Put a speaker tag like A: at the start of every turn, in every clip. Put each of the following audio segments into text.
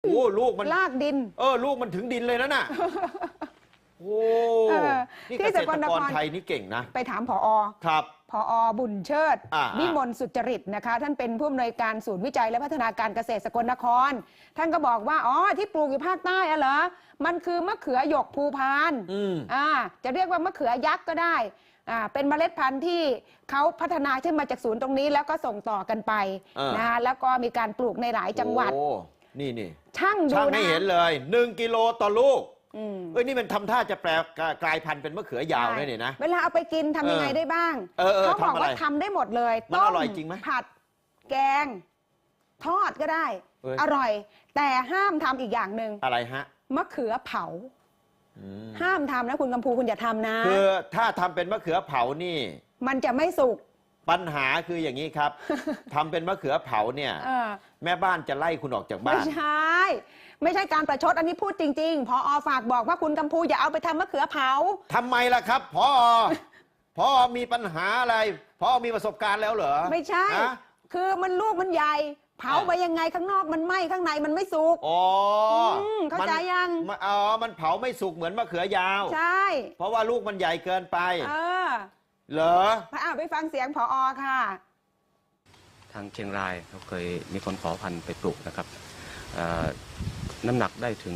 A: โอ้ลูกมัน
B: ลากดิน
A: ลูกมันถึงดินเลยนะน่ะโอ้นี่เกษตรกรไทยนี่เก่งนะ
B: ไปถามผอ.
A: ครับ
B: ผอ.บุญเชิดวิมลสุจริตนะคะท่านเป็นผู้อำนวยการศูนย์วิจัยและพัฒนาการเกษตรสกลนครท่านก็บอกว่าที่ปลูกอยู่ภาคใต้เหรอมันคือมะเขือหยกภูพานจะเรียกว่ามะเขือยักษ์ก็ได้เป็นเมล็ดพันธุ์ที่เขาพัฒนาขึ้นมาจากศูนย์ตรงนี้แล้วก็ส่งต่อกันไปนะคะแล้วก็มีการปลูกในหลายจังหวัด
A: นี่
B: ช่างดูนะ
A: ให้เห็นเลย1 กิโลต่อลูกนี่มันทำท่าจะแปลกลายพันธุ์เป็นมะเขือยาวเลยเนี่ยนะ
B: เวลาเอาไปกินทำยังไงได้บ้างเขาบอกว่าทำได้หมดเลย
A: มันอร่อยจริงไหม
B: ผัดแกงทอดก็ได้อร่อย แต่ห้ามทำอีกอย่างหนึ่ง
A: อะไรฮะ
B: มะเขือเผาห้ามทำนะคุณกำพูคุณอย่าทำนะ
A: คือถ้าทำเป็นมะเขือเผานี่
B: มันจะไม่สุก
A: ปัญหาคืออย่างนี้ครับ ทำเป็นมะเขือเผาเนี่ยแม่บ้านจะไล่คุณออกจากบ้าน
B: ไม่ใช่การประชดอันนี้พูดจริงๆพอ.ฝากบอกว่าคุณกำพูอย่าเอาไปทำมะเขือเผา
A: ทำไมล่ะครับพอมีปัญหาอะไรพอมีประสบการณ์แล้วเหรอ
B: ไม่ใช่คือมันลูกมันใหญ่เผาไปยังไงข้างนอกมันไหม้ข้างในมันไม่สุกเข้าใจยัง
A: มันเผาไม่สุกเหมือนมะเขือยาว
B: ใช่
A: เพราะว่าลูกมันใหญ่เกินไปเหรอ
B: ไปฟังเสียงผอ.ค่ะ
C: ทางเชียงรายเขาเคยมีคนขอพันธุ์ไปปลูกนะครับน้ำหนักได้ถึง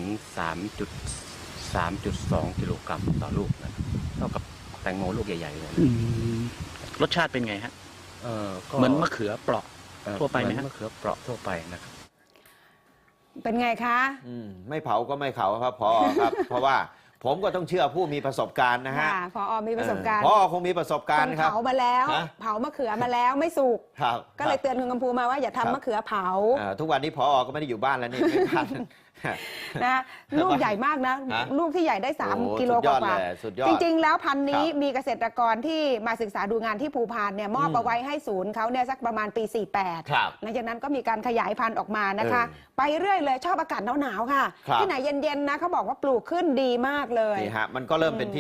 C: 3.2 กิโลกรัมต่อลูกนะเท่ากับแตงโมลูกใหญ่ๆเลย
D: รสชาติเป็นไงฮะเหมือนมะเขือเปราะทั่วไปไหมฮะ
C: มะเขือเปราะทั่วไปนะครับ
B: เป็นไงคะ
A: ไม่เผาก็ไม่เขาครับพอครับ เพราะว่าผมก็ต้องเชื่อผู้มีประสบการณ์นะฮะ
B: พอ.มีประสบการณ์
A: พอ.คงมีประสบการณ์ครับ
B: เผามาแล้วเผามะเขือมาแล้วไม่สุกก็เลยเตือนคุณกำพูมาว่าอย่าทำมะเขือเผา
A: ทุกวันนี้พอ.ก็ไม่ได้อยู่บ้านแล้วนี่ไม่ทัน
B: นะลูกใหญ่มากนะลูกที่ใหญ่ได้3 กิโลกว่าจริงๆแล้วพันธุ์นี้มีเกษตรกรที่มาศึกษาดูงานที่ภูพานเนี่ยมอบเอาไว้ให้ศูนย์เขาเนี่ยสักประมาณปี 48หลังจากนั้นก็มีการขยายพันธุ์ออกมานะคะไปเรื่อยเลยชอบอากาศหนาวๆค่ะที่ไหนเย็นๆนะเขาบอกว่าปลูกขึ้นดีมากเลย
A: นี่ฮะมันก็เริ่มเป็นที่